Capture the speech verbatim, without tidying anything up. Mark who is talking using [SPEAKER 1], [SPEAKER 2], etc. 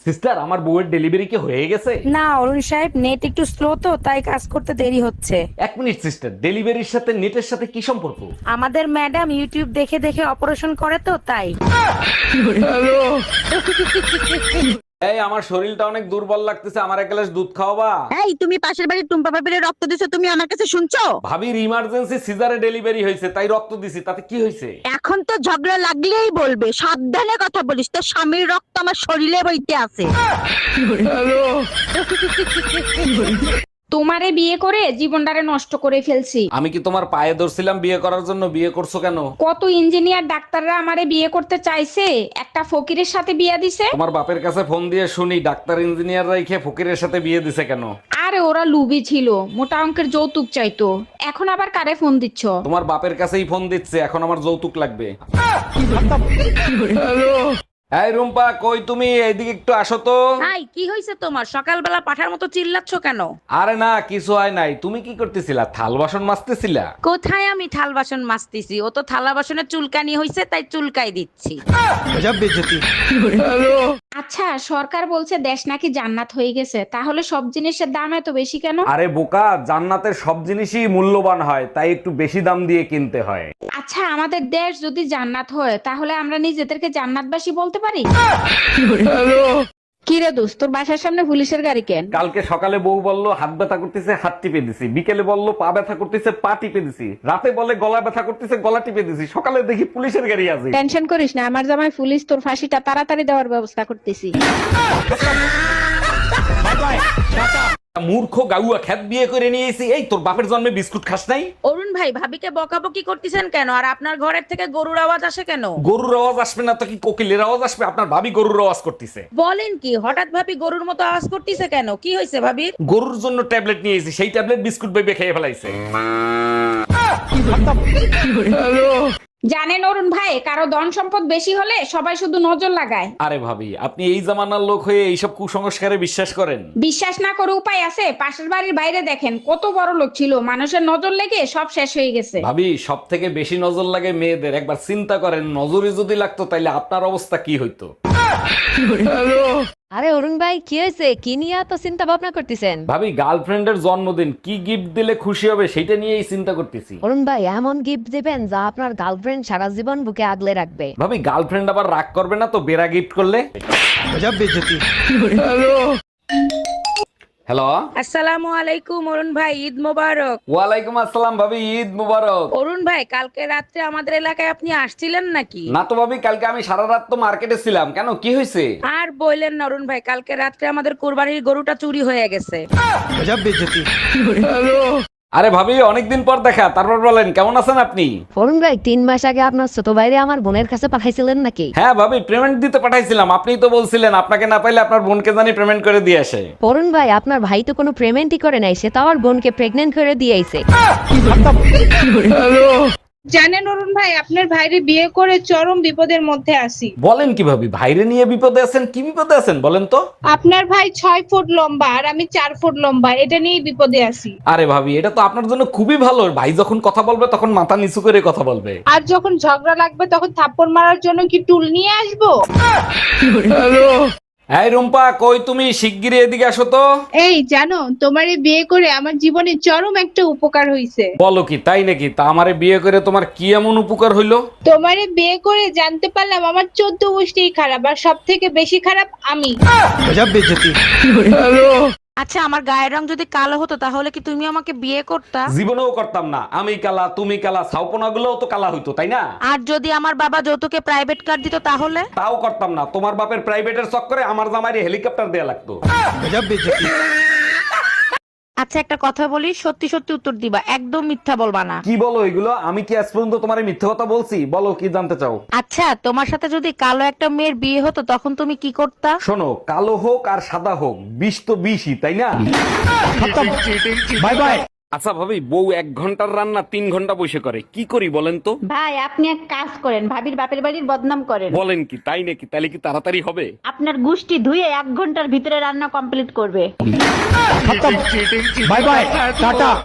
[SPEAKER 1] Sister, আমার বউয়ের delivery কি হয়ে গেছে?
[SPEAKER 2] না অরুণ সাহেব, নেট একটু স্লো তো তাই কাজ করতে দেরি হচ্ছে।
[SPEAKER 1] এক মিনিট সিস্টার, ডেলিভারির সাথে নেটের সাথে কি সম্পর্ক?
[SPEAKER 2] আমাদের ম্যাডাম ইউটিউব দেখে দেখে অপারেশন করে তো তাই।
[SPEAKER 1] এই, আমার শরীরটা অনেক দুর্বল লাগতেছে, আমার এক গ্লাস দুধ খাওয়াবা?
[SPEAKER 3] এই তুমি পাশের বাড়ির টুম্পা ভাবির রক্ত দিছো, তুমি আমার কাছে শুনছো?
[SPEAKER 1] ভাবির ইমার্জেন্সি সিজারে ডেলিভারি হয়েছে, তাই রক্ত দিছি, তাতে কি হয়েছে?
[SPEAKER 3] এখন তো ঝগড়া লাগলেই বলবে, সাবধানে কথা বলিস, তোর স্বামীর রক্ত আমার শরীরে বইতে আছে।
[SPEAKER 4] তোমারে বিয়ে করে জীবনটারে নষ্ট করে ফেলছি।
[SPEAKER 1] আমি কি তোমার পায়ে ধরছিলাম বিয়ে করার জন্য? বিয়ে করছো কেন?
[SPEAKER 4] কত ইঞ্জিনিয়ার ডাক্তাররা আমারে বিয়ে করতে চাইছে, একটা ফকিরের সাথে বিয়ে দিছে।
[SPEAKER 1] তোমার বাপের কাছে ফোন দিয়ে শুনি ডাক্তার ইঞ্জিনিয়ার রাইখে ফকিরের সাথে বিয়ে দিছে কেন?
[SPEAKER 4] আরে ওরা লুবি ছিল, মোটা অঙ্কের যৌতুক চাইতো। এখন আবার কারে ফোন দিচ্ছ?
[SPEAKER 1] তোমার বাপের কাছেই ফোন দিচ্ছে, এখন আমার যৌতুক লাগবে। এই রুম্পা, কই তুমি? এইদিকে একটু আসো তো।
[SPEAKER 2] হাই, কি হয়েছে তোমার? সকালবেলা পাঠার মতো চিল্লাচ্ছ কেন?
[SPEAKER 1] আরে না, কিছু হয় নাই। তুমি কি করতেছিলা? থাল বাসন মাজতেছিলা?
[SPEAKER 2] কোথায় আমি থাল বাসন মাজতেছি? ও তো থালা বাসনের চুলকানি হয়েছে তাই চুলকাই দিচ্ছি।
[SPEAKER 4] আচ্ছা, সরকার বলছে দেশ নাকি জান্নাত হয়ে গেছে, তাহলে সব জিনিসের দাম এত বেশি কেন?
[SPEAKER 1] আরে বোকা, জান্নাতের সব জিনিসই মূল্যবান হয়, তাই একটু বেশি দাম দিয়ে কিনতে হয়।
[SPEAKER 4] আচ্ছা, আমাদের দেশ যদি জান্নাত হয় তাহলে আমরা নিজেদেরকে জান্নাতবাসী বলতে পারি? কি রে দোস্ত, তোর বাসার সামনে পুলিশের গাড়ি কেন?
[SPEAKER 1] কালকে সকালে বউ বলল হাত ব্যথা করতেছে, হাত টিপে দিছি। বিকেলে বলল পা ব্যথা করতেছে, পা টিপে দিছি। রাতে বলে গলা ব্যথা করতেছে, গলা টিপে দিছি। সকালে দেখি পুলিশের গাড়ি আছে।
[SPEAKER 4] টেনশন করিস না, আমার জামাই পুলিশ তোর ফাঁসিটা তাড়াতাড়ি দেওয়ার ব্যবস্থা করতেছি।
[SPEAKER 1] মূর্খ গাউয়া খ্যাত বিয়ে করে নিয়েছি। এই, তোর বাপের জন্মে বিস্কুট খাস নাই?
[SPEAKER 2] অরুণ ভাই, ভাবিকে বকাবকি করতেছেন কেন? আর আপনার ঘরের থেকে গরুর আওয়াজ আসে কেন?
[SPEAKER 1] গরুর আওয়াজ আসবে না তো কি কোকিলের আওয়াজ আসবে? আপনার ভাবি গরুর আওয়াজ করতেছে।
[SPEAKER 2] বলেন কি, হঠাৎ ভাবি গরুর মতো আওয়াজ করতেছে কেন? কি হয়েছে ভাবির?
[SPEAKER 1] গরুর জন্য ট্যাবলেট নিয়েছি, সেই ট্যাবলেট বিস্কুট বেবে খেয়ে ফেলাইছে।
[SPEAKER 4] জানেন অরুণ ভাই, কারো ধন সম্পদ বেশি হলে সবাই শুধু নজর লাগায়।
[SPEAKER 1] আরে ভাবি, আপনি এই জামানার লোক হয়ে এইসব কুসংস্কারে বিশ্বাস করেন?
[SPEAKER 4] বিশ্বাস না করে উপায় আছে? পাশের বাড়ির বাইরে দেখেন, কত বড় লোক ছিল, মানুষের নজর লেগে সব শেষ হয়ে গেছে।
[SPEAKER 1] ভাবি, সব থেকে বেশি নজর লাগে মেয়েদের। একবার চিন্তা করেন, নজরে যদি লাগতো তাইলে আপনার অবস্থা কি হইতো?
[SPEAKER 5] আরে অরুণ ভাই, কি হয়েছে? কি নিয়ে এত চিন্তা ভাবনা করতেছেন?
[SPEAKER 1] ভাবি, গার্লফ্রেন্ডের জন্মদিন, কি গিফট দিলে খুশি হবে সেটা নিয়েই চিন্তা করতেছি।
[SPEAKER 5] অরুণ ভাই, এমন গিফট দিবেন যা আপনার গার্লফ্রেন্ড সারা জীবন বুকে আগলে রাখবে।
[SPEAKER 1] ভাবি, গার্লফ্রেন্ড আবার রাগ করবে না তো বেড়া গিফট করলে? হ্যালো,
[SPEAKER 2] আসসালামু আলাইকুম অরুণ ভাই, ঈদ মোবারক।
[SPEAKER 1] ওয়ালাইকুম আসসালাম ভাবি, ঈদ মুবারক।
[SPEAKER 2] অরুণ ভাই, কালকে রাত্রে আমাদের এলাকায় আপনি আসছিলেন নাকি?
[SPEAKER 1] না তো ভাবি, কালকে আমি সারা রাত তো মার্কেটে ছিলাম। কেন, কি হয়েছে?
[SPEAKER 2] আর বললেন না অরুণ ভাই, কালকে রাত্রে আমাদের কুরবানির গরুটা চুরি হয়ে গেছে।
[SPEAKER 1] আরে ভাবি, অনেকদিন পর দেখা, তারপর বলেন কেমন আছেন আপনি?
[SPEAKER 5] অরুণ ভাই, তিন মাস আগে আপনার ছোট ভাইরে আমার বোনের কাছে পাঠাইছিলেন নাকি?
[SPEAKER 1] হ্যাঁ ভাবি, পেমেন্ট দিতে পাঠাইছিলাম। আপনিই তো বলছিলেন আপনাকে না পাইলে আপনার বোনকে জানি পেমেন্ট করে দিয়ে আসে।
[SPEAKER 5] অরুণ ভাই, আপনার ভাই তো কোনো পেমেন্টই করে নাই, সে তো আমার বোনকে প্রেগনেন্ট করে দিয়েছে।
[SPEAKER 6] জানেন অরুণ ভাই, আপনার ভাইরে বিয়ে করে চরম বিপদের মধ্যে আছি।
[SPEAKER 1] বলেন কি ভাবি, ভাইরে নিয়ে বিপদে আছেন? কি বিপদে আছেন বলেন তো?
[SPEAKER 6] আপনার ভাই ছয় ফুট লম্বা আর আমি চার ফুট লম্বা, এটা নিয়েই বিপদে আছি।
[SPEAKER 1] আরে ভাবি, এটা তো আপনার জন্য খুবই ভালো। ভাই যখন কথা বলবে তখন মাথা নিচু করে কথা বলবে।
[SPEAKER 6] আর যখন ঝগড়া লাগবে তখন থাপ্পড় মারার জন্য কি টুল নিয়ে আসবো?
[SPEAKER 1] এই রুম্পা, কই তুমি? শিগগিরই এদিকে আসো তো।
[SPEAKER 6] এই জানো, তোমারে বিয়ে করে আমার জীবনে চরম একটা উপকার হইছে।
[SPEAKER 1] বলো কি, তাই নাকি? তা আমারে বিয়ে করে তোমার কি এমন উপকার হইলো?
[SPEAKER 6] তোমারে বিয়ে করে জানতে পারলাম আমার চোদ্দ গোষ্ঠী খারাপ, আর সব থেকে বেশি খারাপ আমি।
[SPEAKER 2] আচ্ছা, আমার গায়ের রং যদি কালো হতো তাহলে কি তুমি আমাকে বিয়ে করতা?
[SPEAKER 1] জীবনেও করতাম না। আমি কালা, তুমি কালা, ছাউপনা গুলোও তো কালা হইতো, তাই না?
[SPEAKER 2] আর যদি আমার বাবা যৌতুকে প্রাইভেট কার দিত তাহলে?
[SPEAKER 1] তাও করতাম না। তোমার বাপের প্রাইভেটের চক্করে আমার জামাইরে হেলিকপ্টার দেয়া লাগতো।
[SPEAKER 2] আচ্ছা, একটা কথা বলি, সত্যি সত্যি উত্তর দিবা, একদম মিথ্যা বলবা না।
[SPEAKER 1] কি বলো এগুলো? আমি কি আজ পর্যন্ত তোমার মিথ্যে কথা বলছি? বলো কি জানতে চাও?
[SPEAKER 2] আচ্ছা, তোমার সাথে যদি কালো একটা মেয়ের বিয়ে হতো তখন তুমি কি করতা?
[SPEAKER 1] শোনো, কালো হোক আর সাদা হোক, বিষ তো বিষই, তাই না? Bye bye. আচ্ছা ভাবি, বউ এক ঘন্টার রান্না তিন ঘন্টা বসে করে, কি করি বলেন তো?
[SPEAKER 3] ভাই, আপনি এক কাজ করেন, ভাবির বাপের বাড়ির বদনাম করেন।
[SPEAKER 1] বলেন কি, তাই নাকি? তাহলে কি তাড়াতাড়ি হবে?
[SPEAKER 3] আপনার গুষ্টি ধুয়ে এক ঘন্টার ভিতরে রান্না কমপ্লিট করবে।
[SPEAKER 1] Bye bye, tata.